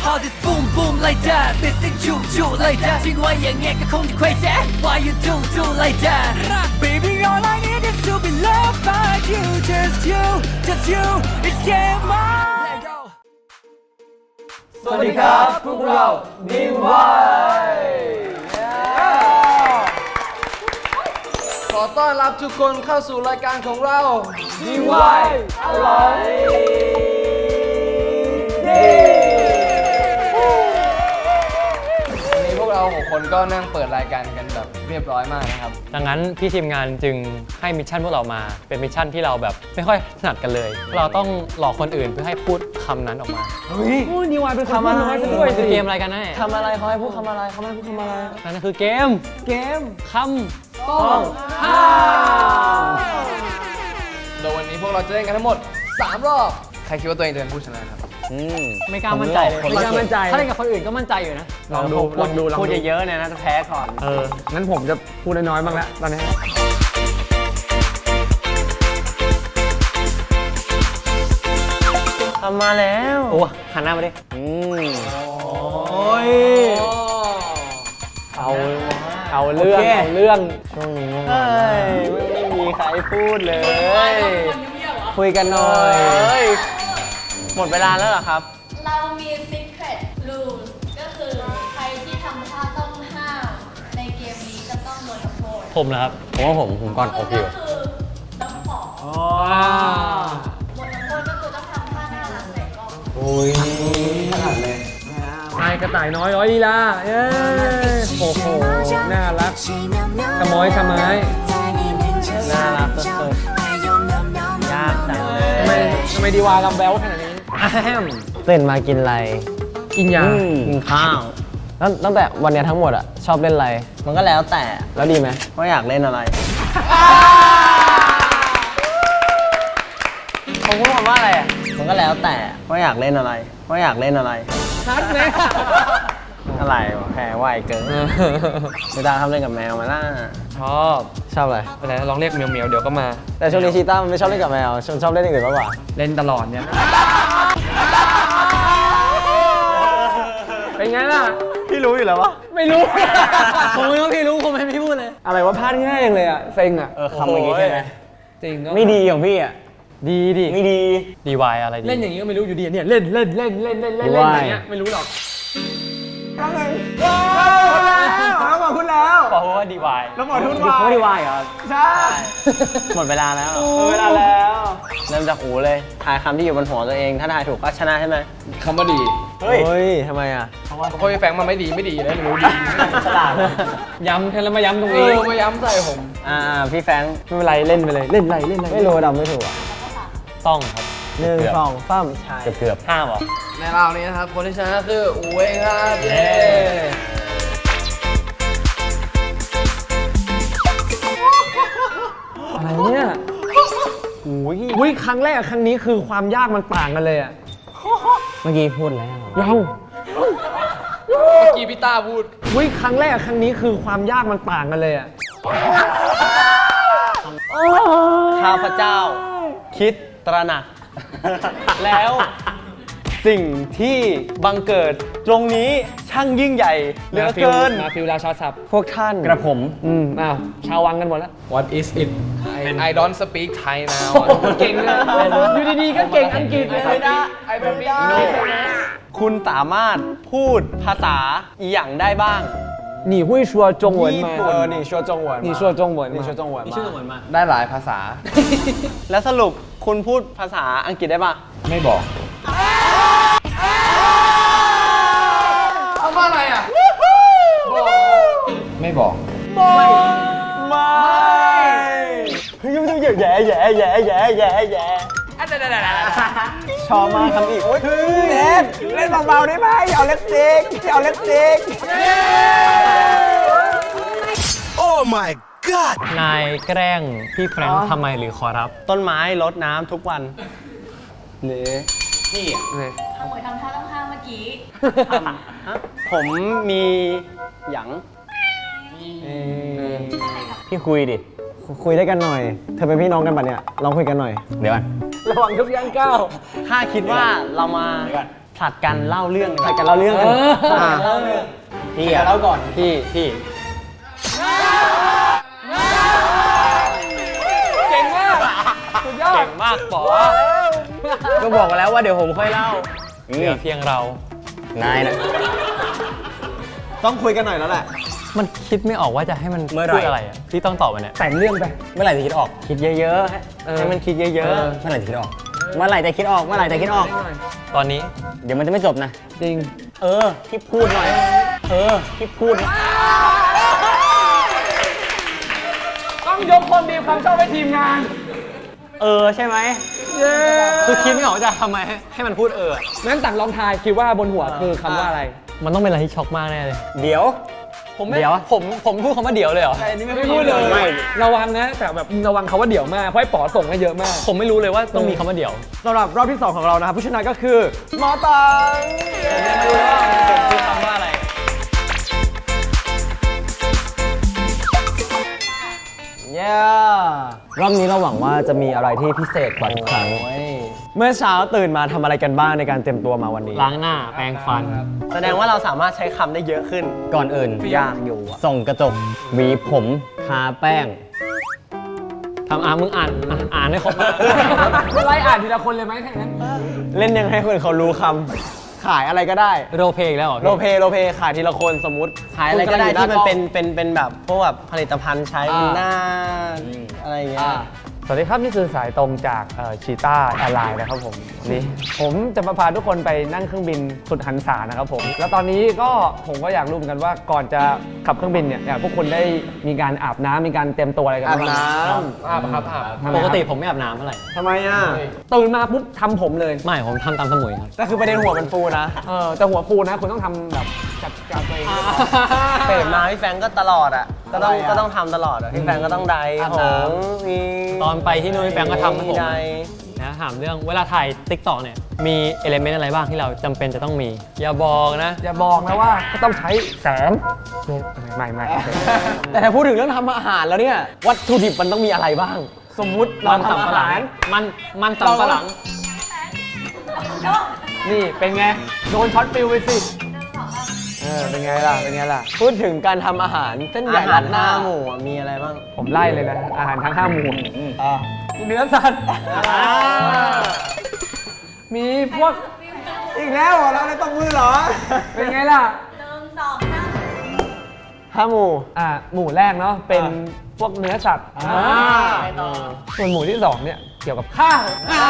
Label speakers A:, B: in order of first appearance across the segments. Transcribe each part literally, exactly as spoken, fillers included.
A: all this boom boom like that ไม่สิจุจุ like that ทิ้งไว้อย่างเงี้ยก็คงจะ crazy why you do do like that baby all I need is to be loved by you just you just you it's game on
B: สวัสดีครับพวกเรา ดี วาย
C: ขอต้อนรับทุกคนเข้าสู่รายการของเรา
B: ดี วาย อร่อยดี
C: วันนี้พวกเราหกคนก็นั่งเปิดรายการกันแบบเรียบร้อยมากนะครับ
D: ดังนั้นพี่ทีมงานจึงให้มิชชั่นพวกเรามาเป็นมิชชั่นที่เราแบบไม่ค่อยถนัดกันเลยเราต้องหลอกคนอื่นเพื่อให้พูดคำนั้นออกมา
B: เฮ้ยดี วาย เป็นคำน้อยซะด้วย
D: คือเกมอะไรกันแน่
B: ทำอะไรเขาให้พูดคำอะไรเขาให้พูดคำอะไร
D: นั่นคือเกม
B: เกม
D: คำต้องห้าม
C: โดยวันนี้พวกเราจะเล่นกันทั้งหมดสามรอบใครคิดว่าตัวเองจะเป็นผู้ชนะครับ
D: ไม่กล้ามั่นใจเลย
B: ไม่กล้ามั่นใจ
D: ถ้าเล่นกับคนอื่นก็มั่นใจอยู่นะ
B: ลองดูลองดู
D: พูดเยอะๆเนี่ยนะจะแพ้ก่อน
B: เอองั้นผมจะพูดน้อยๆบ้างแล้วตอนนี้
D: ทำมาแล้วโอ้หันหน้ามาดิอืม
B: โอ้ยเอาเอาเรื่องเอาเรื่องช่วงนี้เฮ้ยไม่มีใครพูดเลยคุยกันหน่อยหมดเวลาแล้วเหรอครับ
E: เรามี secret rule ก็คือใครที่ทำท่าต้องห้ามในเกมนี้จะต้องโดนทำโทษ
D: ผมนะครับผมว่าผมผมก่อนโอเค
E: ก็คือต้องขอหมดทำโทษก็คือต้องทำท่าน่ารักใส่กล้อง
B: โอ้ยขนาดเลยนายกระต่ายน้อยร้อยลีลาเย้โอ้โหน่ารักขโมยขโมย
D: น่ารักสุดๆยากจังเลย
B: ทำไมทำไมดีวายลำแบ๊วขนาดนี้
D: ตื่นมากินอะไร
B: กินยา
D: กินข้าวแล้วตั้งแต่วันนี้ทั้งหมดอะชอบเล่นอะไรมันก็แล้วแต่แล้วดีไหมว่าอยากเล่นอะไรผมพูดคำว่าอะไรอะมันก็แล้วแต่ว่าอยากเล่นอะไรว่าอยากเล่นอะไร
B: ชัดไหม
D: อะไรวะแพ้ไหวเกินไม่ได้ทำเล่นกับแมวมาล่ะชอบชอบอะไรอะไรลองเรียกเมียวเมียวเดี๋ยวก็มาแต่ช่วงนี้ชีต้ามันไม่ชอบเล่นกับแมวชอบชอบเล่นอย่างอื่นมากกว่า
B: เล่นตลอดเนี่ยเป็นไงล่ะ
D: พี่รู้อยู่แล้ววะ
B: ไม่รู้
D: ผมไม่รู้พี่รู้ผมไม่พี่พูดเลย
B: อะไรว่าพลาดง่ายอย่างเลยอ่ะเซ็งอ่ะ
D: เออคำอย่างงี้ใช่ไหม
B: จริงก็
D: ไม่ดีของพี่อ่ะ
B: ดีดิ
D: ไม่ดีดีวายอะไรดี
B: เล่นอย่างงี้ก็ไม่รู้อยู่ดีเนี่ยเล่นเล่นเล่นเล่นเล่นเล่นอย่างเงี้ยไม่รู้หรอกแล้วไงแล้วบอกคุณแล้ว
D: บอกว่าดีวาย
B: แล้วบอกทุนวาย
D: ดีวายเหรอ
B: ใช่
D: หมดเวลาแล้ว
B: หมดเวลาแล้ว
D: เริ่มจากหูเลยทายคำที่อยู่บนหัวตัวเองถ้าทายถูกก็ชนะใช่ไหม
C: คำว่าดี
D: เฮ้ยทำไมอ่ะ
C: เพราะว่าเพราะพี่แฟงมันไม่ดีไม่ดีเลยไม่รู้ดี
D: ฉลาด
B: ย้ำแค่แล้วมาย้ำตรงนี้
C: มาย้ำใส่ผม
D: อ่าพี่แฟง
B: ไม่เป็นไรเล่นไปเลยเล่นไรเล่นไร
D: ไม่รู้ดำไม่ถูกต้องครับ
B: หนึ่งสองปั้ม
D: ใช่เกือบห้าหรอ
C: ในราวนี้นะครับคนที่ชนะคืออูเองครับเย้
B: อะไรเนี่ยโอ้ยวิครั้งแรกครั้งนี้คือความยากมันต่างกันเลยอ่ะ
D: เมื่อกี้พูดแล้ว
B: ยัง
C: เมื่อกี้พี่ต้าพูด
B: วิครั้งแรกครั้งนี้คือความยากมันต่างกันเลยอ่ะ
D: ข้าพเจ้าคิดตระหนักแล้วสิ่งที่บังเกิดตรงนี้ช่างยิ่งใหญ่เหลือเกิน
B: มาฟิลราชาศัพท์
D: พวกท่าน
B: กระผมอืมอ้าวชาววังกันหมดแล้ว
C: What is it I don't speak Thai now
B: เก่งเลยอยู่ดีๆก็เก่งอังกฤษเลย
C: ไม่ได้ไม่ได้
D: คุณสามารถพูดภาษาอีหยังได้บ้าง
B: 你会说中文吗
D: เออ你说中文
B: 你说中文
D: 你说中文
B: 你说中文吗
C: ได้หลายภาษา
D: แล้วสรุปคุณพูดภาษาอังกฤษได้ป่ะ
C: ไม่บอกเอาว่าอะไรอ่ะบอกไม่บอก
D: ไม่ไม่เฮ้ยยังยังแย่แย่แย่แย่แย่แย่ชอบมาทำอีกโอ้ย
B: เล่นเล่นเบาๆได้ไหมอย่าเอาเล็บจิกอย่าเอาเล็บจิก
D: โอ้ my god นายแกล้งพี่แฟรงค์ทำไมหรือขอรับต้นไม้รดน้ำทุกวันหรือ
E: พี่ขโมยทำท่าต้องห้ามเมื่อกี้
D: ผมมีหยังพี่คุยดิคุยได้กันหน่อยเธอเป็นพี่น้องกันปะเนี่ยลองคุยกันหน่อยเดี๋ยวก่อน
B: ระวังทุกย่างก้าว
D: ข้าคิดว่าเรามาผผัดกันเล่าเรื่อง
B: ผัดกันเล่าเรื่องกัน
D: อ่า
B: เล่าเรื่อง
D: พี่อะเล่าก่อนพี่พี่
B: เก่งมากสุดยอด
D: เก่งมากป๋อก็บอกมาแล้วว่าเดี๋ยวผมค่อยเล่าเหลือเพียงเรานายนะต้องคุยกันหน่อยแล้วแหละ
F: มันคิดไม่ออกว่าจะให้มัน
D: เมื่อไหร่
F: พูดอะไรอ่ะที่ต้องตอบมันเนี่ย
B: แต่งเรื่องไป
D: เมื่อไหร่จะคิดออกคิดเยอะๆให้มันคิดเยอะๆเมื่อไหร่จะคิดออกเมื่อไหร่จะคิดออกเมื่อไหร่จะคิดออก
F: ตอนนี้
D: เดี๋ยวมันจะไม่จบนะ
B: จริง
D: เออที่พูดหน่อยเออที่พูดหน่อย
B: ต้องยกความดีความชอบให้ทีมงาน
D: เออใช่ไหม
F: คือคิดไม่ออกว่าจะทำไมให้ให้มันพูดเออ
B: งั้นต่างลองทายคิดว่าบนหัวคือคำว่าอะไร
F: มันต้องเป็นอะไรที่ช็อกมากแน่เลย
D: เดี๋ยว
F: ผมไม่
D: เดี๋ยว
F: ผมผมพูดคำว่าเดี๋ยวเลยเหรอ
B: ไม่พูดเลย
D: ไม่
B: ระวังนะ แต่แบบระวังเขาว่าเดี๋ยวมากเพราะไอ้ป๋อส่งมาเยอะมาก
F: ผมไม่รู้เลยว่าต้องมีคำว่าเดี๋ยว
D: สำหรับรอบที่สองของเรานะครับผู้ชนะก็คือหมอตัง
F: ไม่รู้ว่าผมพูดคำว่าอะไร
D: เย้รอบนี้เราหวังว่าจะมีอะไรที่พิเศษกว่าทุกครั้งเมื่อเช้าตื่นมาทำอะไรกันบ้างในการเตรียมตัวมาวันนี้
F: ล้างหน้าแปรงฟัน
D: แสดงว่าเราสามารถใช้คำได้เยอะขึ้น ก่อนอื่นยากอยู่ส่งกระจกหวีผมทาแป้ง
F: ทำอ่านมึงอ่านอ่ะอ่านให้ครบมา
B: ไล่อ่านทีละคนเลยไหมถ้าอย่างนั้น
D: เล่นยังให้คนเขารู้คำขายอะไรก็ได้
F: โรลเพลย์อีกแล้วเหรอ
D: โรลเพลย์โรลเพลย์ขายทีละคนสมมติขายอะไรก็ได้ที่มันเป็นเป็นเป็นแบบพวกแบบผลิตภัณฑ์ใช้หน้าอะไรอย่างเงี้ย
B: สวัสดีครับ นี่คือสายตรงจากชีต้าแอร์ไลน์นะครับผมนี่ผมจะมาพาทุกคนไปนั่งเครื่องบินสุดหันษานะครับผมแล้วตอนนี้ก็ผมก็อยากรู้เหมือนกันว่าก่อนจะขับเครื่องบินเนี่ยอยากพวกคุณได้มีการอาบน้ำมีการเตรียมตัวอะไรกัน
D: อาบ
B: บ้าง
D: น้
B: อาบครับอาบ
F: ปกติผมไม่อาบน้ำเท่าไหร่
D: ำทำไมอ่ะ
B: ตื่นมาปุ๊บทำผมเลย
F: ไม่ผมทำตามสมุยครับ
D: แต่คือประเด็นหัวมันฟูนะ
B: เออแต่หัวฟูนะคุณต้องทำแบบจัดการตัวเอง
D: ตื่นมาพี่แฟงก็ตลอดอ่ะก็ต้องก็ต้องทำตลอดอ่ะพี่แฟงก็ต้องไดของมี
F: ตอนไปที่นู่นพี่แฟงก็ทำให้ผม
D: ได
F: นะถามเรื่องเวลาถ่ายติ๊กต็อกเนี่ยมีเอลิเมนต์อะไรบ้างที่เราจำเป็นจะต้องมี อย่าบอกนะ
B: อย่าบอกนะว่าก็ต้องใช้แสงไม่ไม่ไม่
D: แต่ถ้าพูดถึงเรื่องทำอาหารแล้วเนี่ยวัตถุดิบมันต้องมีอะไรบ้าง สมมุติเรา
F: มัน
D: ทำ
F: สำ
D: อา
F: ปะหลั
D: หาง ร
F: มันมันสำปะหลัง
B: นี่เป็นไงโดนช็อตฟิลไปสิเออเป็นไงล่ะเป็นไงล่ะ
D: พูดถึงการทำอาหารเส้นใหญ่
B: อาหาร
D: รัดหน้าหมูอะมีอะไรบ้าง
B: ผมไล่เลยนะอาหารทั้งห้าหมู่
D: อ่า
B: เนื้อสัตว์มีพวก
D: อีกแล้วเหรอแล้วในตบมือเหรอ
B: เป็นไงล่ะ
E: หนึ่งสองสาม
D: ห้าหมู
B: อ่าหมู่แรกเนาะเป็นพวกเนื้อสัตว์
D: อ่า
B: ส่วนหมู่ที่สองเนี่ยเกี่ยวกับข้าว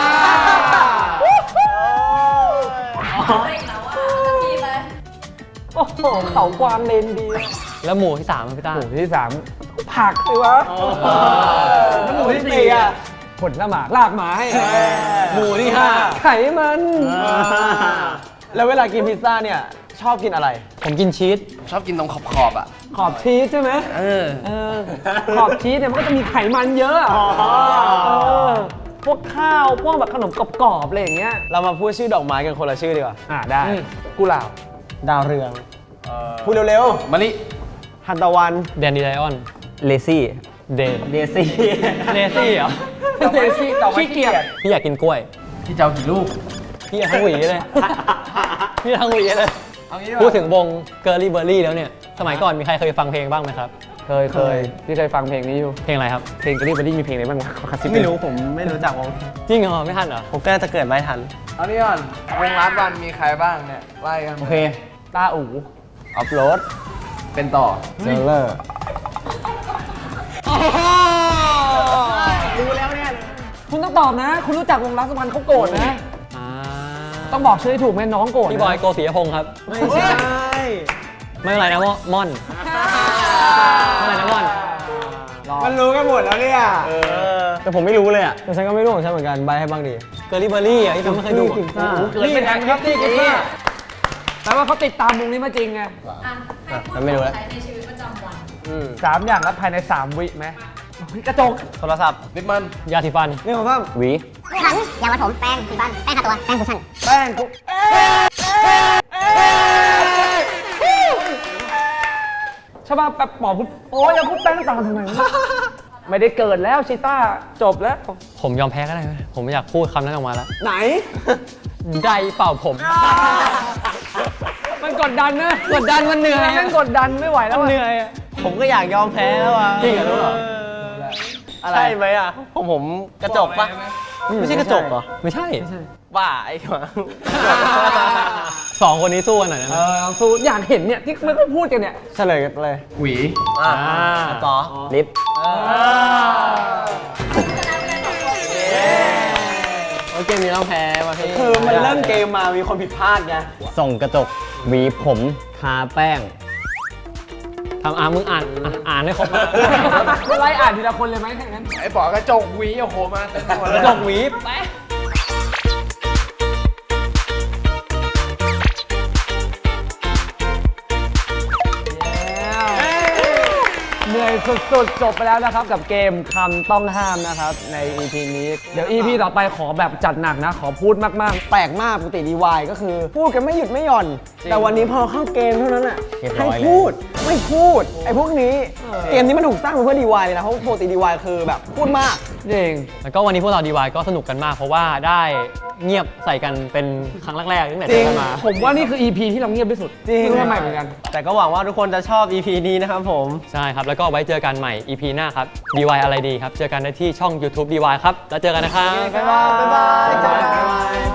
E: เฮ้ยแล้วว่าจะมีไหม
B: โอ้โหเขากวางเลนดี
F: แล้วหมู่ที่สามอะพี่ต้า
B: หมู่ที่สามผักสิวะแล้วหมู่ที่สี่อ่ะผลละหมากลากไม้
D: หมูที่ห้า
B: ไขมัน
D: แล้วเวลากินพิซซ่าเนี่ยชอบกินอะไร
F: ผมกินชีส
C: ชอบกินตรงขอบขอบๆอ่ะ
B: ขอบชีสใช่ไหม
F: เออ
B: เออขอบชีสเนี่ยมันก็จะมีไขมันเยอะอะ
D: อ๋อ
B: เออพวกข้าวพวกแบบขนมกรอบๆอะไรอย่างเงี้ย
D: เรามาพูดชื่อดอกไม้กันคนละชื่อดีกว่า
B: อ่าได้กุหลาบ
D: ดาวเรืองพูดเร็ว
C: มะลิ
D: ๆฮันตะวัน
F: แดนดีไลออน
D: เลซี่
F: เดน
D: เดซี่
F: เลซี่เหรอ
B: เดซี่ขี้เกียจ
F: พี่อยากกินกล้วย
C: พี่เจ้ากี่ลูก
F: พี่อยากทั้งหวีเลย พี่ทั้งหวีเลย
C: เอางี้
F: พูดถึงวงเกิร์ลี่เบอร์รี่แล้วเนี่ย สมัยก่อนมีใครเคยฟังเพลงบ้างไหมครับ
B: เคยเคยพี่เคยฟังเพลงนี้อยู่
F: เพลงอะไรครับ
B: เพลงกรีบบันดี้มีเพลงอะไรบ้างวะขอคัดซิป
D: ไม่รู้ผมไม่รู้จักวง
F: จริงเหรอไม่ทันเหรอ
D: ผมก็น่าจะเกิดไม่ทัน
C: เอานี่ก่อนวงร้านวันมีใครบ้างเนี่ยไล่กัน
D: โอเค
B: ตาอู๋
D: อัพโหลด
C: เป็นต่อ
D: เจอเลอร์
B: คุณต้องตอบนะ คุณรู้จักวงรักสวรรค์เขาโกรธนะ
F: อ่า
B: ต้องบอกชื่อให้ถูกไหมน้องโกรธนะ
F: พี่บอยโกศิยพงศ์ครับ
D: ไม่ใช่
F: ไม่เป็นไรนะม่อนไม่เป็นไรนะม่อน
D: มันรู้กันหมดแล้วเนี่ยแต่ผมไม่รู้เลยอ่ะแต่ฉันก็ไม่รู้ของฉันเหมือนกันใบให้บ้างดิ
F: เกิร์ลี่เบอร์รี่อ่ะที่ผมไม่เคยดู
D: กินซ่า
B: เกิดเป็นแอนครับที่กินซ่าแปลว่าเขาติดตามวงนี้มาจริงไง
E: อ่ะให้พูด
D: ฉันไม่รู้แล้ว
E: ใช้ในชีวิตประจำวัน
B: สามอย่างแล้วภายในสามวิไหมกระจก
D: โทรศัพท์
C: ลิปมัน
F: ยาสีฟัน
D: นี่ของข้ามหวี
G: ถังยามาถมแป้งสีฟัน แป้งทาตัว แป้งคุชชั่น
B: แป้งกูชอบแบบหมอพูดโอ้ยอย่าพูดแป้งตามทำไมวะไม่ได้เกิดแล้วชิต้าจบแล้ว
F: ผมยอมแพ้ก็ได้ไหมผมไม่อยากพูดคำนั้นออกมาแล้ว
D: ไหน
F: ไดเป่าผม
B: มันกดดันนะ
F: กดดันมันเหนื่อย
B: มันกดดันไม่ไหวแล้วอะ
D: เหนื่อยอะผมก็อยากยอมแพ้แล้วอ่ะ
F: จริงเหรอรู้เหรอ
D: อะไรใช่ไหมอ่ะผมผมกระจกปะไม่ใช่กระจกเหรอ
F: ไม่ใช่
D: บ้าไอ้หมา
F: สองคนนี้สู้กันหน่อยนะ
B: เออลองสู้อยากเห็นเนี่ยที่ไม่ค่อยพูดกันเนี่ย
D: เฉลยกันเลย
C: หวี
D: อ่าต่อลิฟต์
F: โอเคมีเราแพ้ว่ะพี่
D: คือมันเริ่มเกมมามีคนผิดพลาดไง
H: ส่องกระจกหวีผมทาแป้ง
F: ทำอ่านมึงอ่านอ่ะอ่านให้ครบนะ
B: ไม่ไล่อ่านทีละคนเลยไหมถ้างั้น
C: ไอ้ป๋อกระจกหวีโอ้โหมาเต็มไปหมดเลย
F: จกหวีแป๊ะ
B: เหนื่อยสุดๆ จบไปแล้วนะครับกับเกมคำต้องห้ามนะครับใน อี พี นี้ เดี๋ยว อี พี ต่อไปขอแบบจัดหนักนะ ขอพูดมาก
D: แปลกมากปกติดีวายก็คือ พูดกันไม่หยุดไม่หย่อน แต่วันนี้พอเข้าเกมเท่านั้นอ่ะ
H: เรียบร้
D: ให้
H: อยเลย
D: พูดไม่พูดไอ้พวกนี้เกมนี้มันถูกสร้างมาเพื่อดีวายเลยนะเพราะปกติดีวายคือแบบพูดมาก
B: ๆจริง
F: แล้วก็วันนี้พวกเราดีวายก็สนุกกันมาก เพราะว่าได้เงียบใส่กันเป็นครั้งแรกๆตั้งแต่
B: จริ
F: เจ
B: ง
F: อกันมา
B: ผมว่านี่คือ อี พี ที่เราเงียบที่สุด
D: จริง
B: ไม่รู้ทำไมเหมือนกัน
D: แต่ก็หวังว่าทุกคนจะชอบ อี พี นี้นะครับผม
F: ใช่ครับ แล้วก็ไว้เจอกันใหม่ อี พี หน้าครับ ดี วาย อะไรดีครับ เจอกันได้ที่ช่อง YouTube ดี วาย ครับ แล้วเจอกันนะครับ
D: บ๊ายบายบ๊ายบาย